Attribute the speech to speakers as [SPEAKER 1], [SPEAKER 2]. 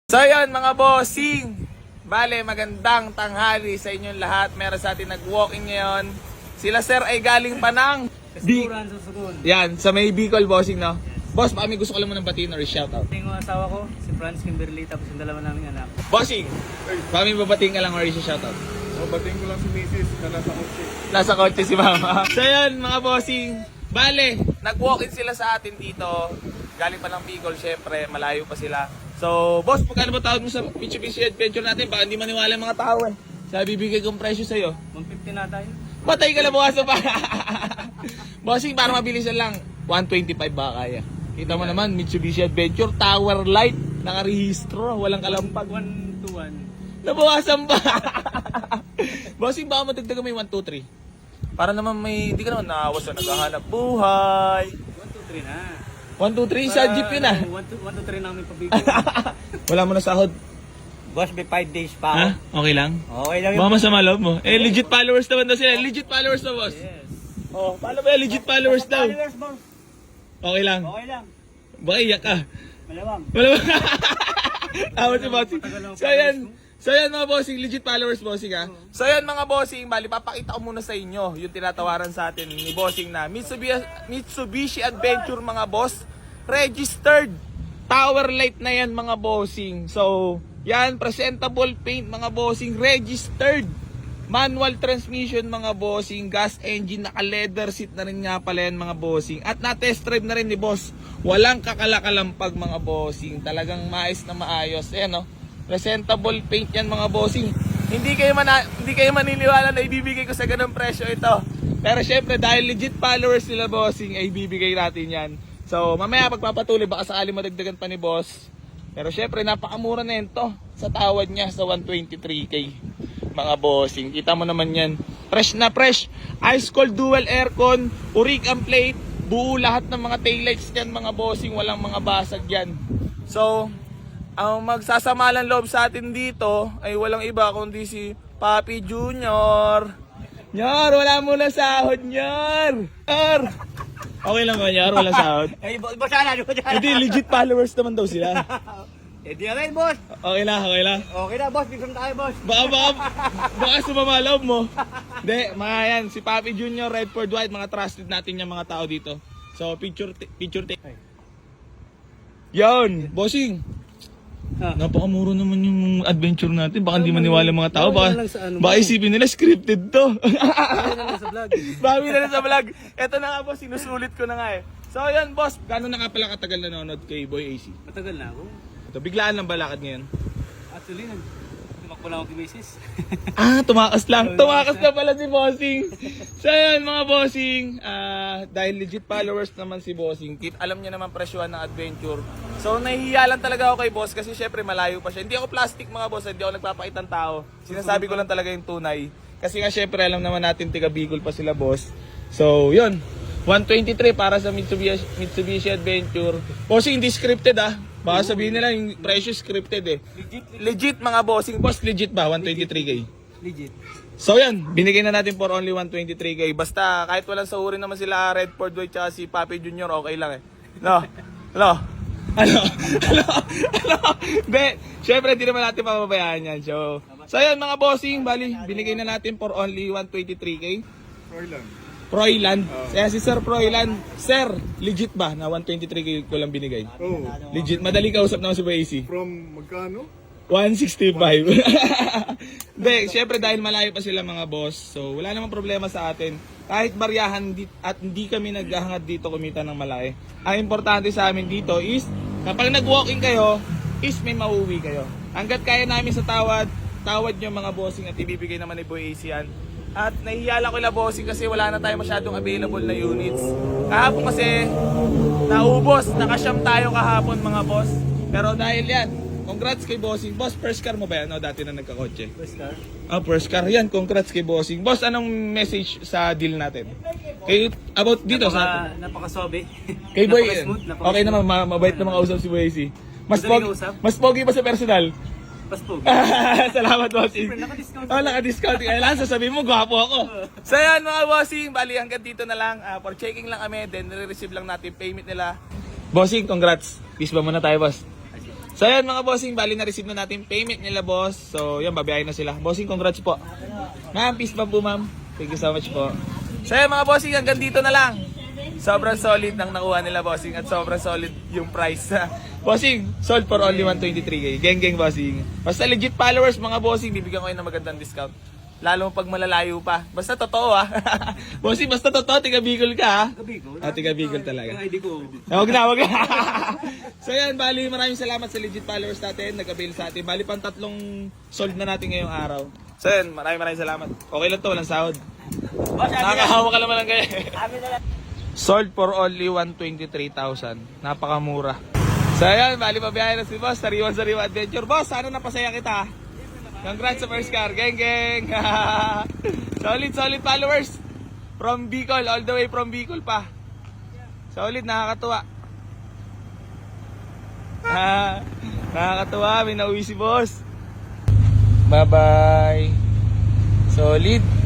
[SPEAKER 1] So yun mga bossing, bale magandang tanghali sa inyong lahat. Meron sa atin nag-walking ngayon. Sila sir ay galing pa ng Yan, sa may Bicol bossing, no? Boss, baka may gusto ko lang muna batiin or shoutout.
[SPEAKER 2] Yung asawa ko, si Franz Kimberly, tapos yung dalawa naming anak.
[SPEAKER 1] Bossing, baka may babatiin ka lang or shoutout.
[SPEAKER 3] So, batiin ko lang si Mrs. na nasa kotse.
[SPEAKER 1] Nasa kotse si mama. So yun mga bossing, bale, nag-walk-in sila sa atin dito. Galing pa ng Bicol, syempre, malayo pa sila. So, boss, pagkano ba tawag mo sa Mitsubishi Adventure natin? Baka hindi maniwala yung mga tao eh. Sabi, bibigay kong presyo sa'yo.
[SPEAKER 2] 150 na tayo.
[SPEAKER 1] Patay ka na bukas pa. Bossing, para mabilisan lang, 125 ba kaya? Kita mo naman, Mitsubishi Adventure, Tower Light, nakarehistro, walang kalampag.
[SPEAKER 2] 1 to 1.
[SPEAKER 1] Nabawasan pa. Bossing, baka matagdagan may 1, 2, 3. Para naman may, hindi ka naman naawas sa naghahanap buhay.
[SPEAKER 2] 1 to 3 na.
[SPEAKER 1] 1, 2, 3 sa jeep yun ah.
[SPEAKER 2] 1 to 3 namin pabigay.
[SPEAKER 1] Wala mo na sahod.
[SPEAKER 2] Boss, may 5 days pa
[SPEAKER 1] Ha? Okay lang?
[SPEAKER 2] Okay lang
[SPEAKER 1] Baka masama loob mo. Eh, legit followers naman daw sila. Legit followers na, boss.
[SPEAKER 2] Yes.
[SPEAKER 1] Oh, paano ba yan? Legit followers daw.
[SPEAKER 2] Followers, boss.
[SPEAKER 1] Okay lang.
[SPEAKER 2] Okay lang.
[SPEAKER 1] Baka iyak ka.
[SPEAKER 2] Malawang.
[SPEAKER 1] Wala ba? Tawa si bossing. So yan mga bossing, legit followers bossing ha. So yan mga bossing, bali papakita ko muna sa inyo yung tinatawaran sa atin ni bossing na Mitsubishi Adventure mga boss. Registered. Tower light na yan mga bossing. So yan, presentable paint mga bossing. Registered. Manual transmission mga bossing. Gas engine, naka leather seat na rin nga pala yan mga bossing. At na-test drive na rin ni boss. Walang kakalakalampag mga bossing. Talagang maayos na maayos. Ayan no. Presentable paint yan mga bossing. Hindi kayo maniniwala na ibibigay ko sa ganung presyo ito. Pero syempre dahil legit followers nila bossing ay ibibigay natin yan. So mamaya pagpapatuloy baka sakali madagdagan pa ni boss. Pero syempre napakamura na yan to sa tawad niya sa 123k mga bossing. Kita mo naman yan. Fresh na fresh. Ice cold dual aircon. Urig ang plate. Buo lahat ng mga taillights yan mga bossing. Walang mga basag yan. So ang magsasamalan loob sa atin dito ay walang iba kundi si Papi Junior. Nyor, wala mo na sahod, Nyor. Nyor. Okay lang ba, Nyor? Walang sahod?
[SPEAKER 2] Eh, boss, sana.
[SPEAKER 1] Hindi, legit followers naman daw sila.
[SPEAKER 2] Eh, di na rin, boss.
[SPEAKER 1] Okay lang, okay lang.
[SPEAKER 2] Okay na, boss. Bigyan tayo, boss.
[SPEAKER 1] Baka sumama loob mo. Hindi, mga yan, si Papi Junior, Redford White, mga trusted natin yung mga tao dito. So, picture take. Yan, bossing. Napakamura naman yung adventure natin. Baka hindi maniwala mga tao. Baka isipin nila scripted to. Bawi na lang sa vlog. Eto na nga boss, sinusulit ko na nga eh. So yan boss, gano'n na nga pala katagal nanonood kay Boy AC?
[SPEAKER 2] Matagal na ako.
[SPEAKER 1] Ito, biglaan lang ba lakad ngayon?
[SPEAKER 2] Actually, tumakbo lang ako kay Mrs.
[SPEAKER 1] Tumakas lang. Tumakas na pala si Bossing. So yan mga Bossing, dahil legit followers naman si Bossing, alam niya naman presyuhan ng adventure. So nahihiya lang talaga ako kay boss kasi syempre malayo pa siya. Hindi ako plastic mga boss, hindi ako nagpapakitang tao. Sinasabi ko lang talaga yung tunay. Kasi nga syempre alam naman natin tiga Bicol pa sila boss. So yun, 123 para sa Mitsubishi Adventure. Bossing, hindi scripted ah. Baka sabihin nila yung presyo scripted eh. Legit mga bossing. Boss, legit ba? 123k?
[SPEAKER 2] Legit.
[SPEAKER 1] So yan, binigay na natin for only 123k. Basta kahit walang sahurin naman sila Redford White tsaka si Papi Junior, okay lang eh. No? No? Ano? Hindi, syempre hindi naman natin papabayaan yan. So yan mga bossing, bali, binigay na natin for only 123k. Proyland. Kaya si Sir Proyland, Sir, legit ba na 123k ko lang binigay?
[SPEAKER 3] Oh.
[SPEAKER 1] Legit, madali kausap naman si Boy AC.
[SPEAKER 3] From magkano?
[SPEAKER 1] 165. Hindi, syempre dahil malayo pa sila mga boss, so wala namang problema sa atin. Kahit baryahan at hindi kami naghahangad dito kumita ng malaki. Ang importante sa amin dito is, kapag nag-walking kayo, is may mauwi kayo. Hanggat kaya namin sa tawad nyo mga bossing at ibibigay naman ni Boy AC yan. At nahihiya lang ko na bossing kasi wala na tayo masyadong available na units. Kahapon kasi, naubos, nakasyam tayo kahapon mga boss. Pero dahil yan, congrats kay bossing. Boss, first car mo ba yan? O, dati na nagkakotse.
[SPEAKER 2] First car.
[SPEAKER 1] First car. Yan, congrats kay bossing. Boss, anong message sa deal natin? About dito sa...
[SPEAKER 2] Napaka-sobe.
[SPEAKER 1] Kay Boy,
[SPEAKER 2] Napaka-smooth.
[SPEAKER 1] okay naman, mabait na mga usap si Boy AC. Mas pogi ba sa personal?
[SPEAKER 2] Paspog.
[SPEAKER 1] Salamat, bossing.
[SPEAKER 2] Naka-discount.
[SPEAKER 1] Naka-discount. Kailangan sasabihin mo, gwapo ako. So yan mga bossing, bali hanggang dito na lang. For checking lang kami, then nire-receive lang natin payment nila. Bossing, congrats. Peace ba muna tayo, boss? So yan mga bossing, bali na-receive na natin payment nila boss. So yan, babayaran na sila. Bossing, congrats po. Ma'am, peace bump po ma'am. Thank you so much po. So yan mga bossing, hanggang dito na lang. Sobrang solid ng nakuha nila bossing at sobrang solid yung price. Bossing, sold for only 123k. Geng bossing. Basta legit followers mga bossing, bibigyan ko kayo ng magandang discount. Lalo pag malalayo pa. Basta totoo ah. Bossing, basta totoo, tiga Bicol ka ha.
[SPEAKER 2] Bicol?
[SPEAKER 1] Tiga Bicol talaga.
[SPEAKER 2] Yung ID ko.
[SPEAKER 1] Huwag na. So yan, bali maraming salamat sa legit followers natin, nag-avail sa atin. Bali pang 3 sold na natin ngayong araw. So yan, maraming salamat. Okay lang to, walang sahod. Nakakahawa ka naman lang kayo. Sold for only 123,000. Napakamura. So yan, bali pabiyahe na si Boss. Sariwan adventure. Boss, sana napasaya kita. Congrats sa first car. Geng. Solid followers. From Bicol, all the way from Bicol pa. Solid, nakakatuwa. Nakakatuwa, may nauwi si Boss. Bye-bye. Solid.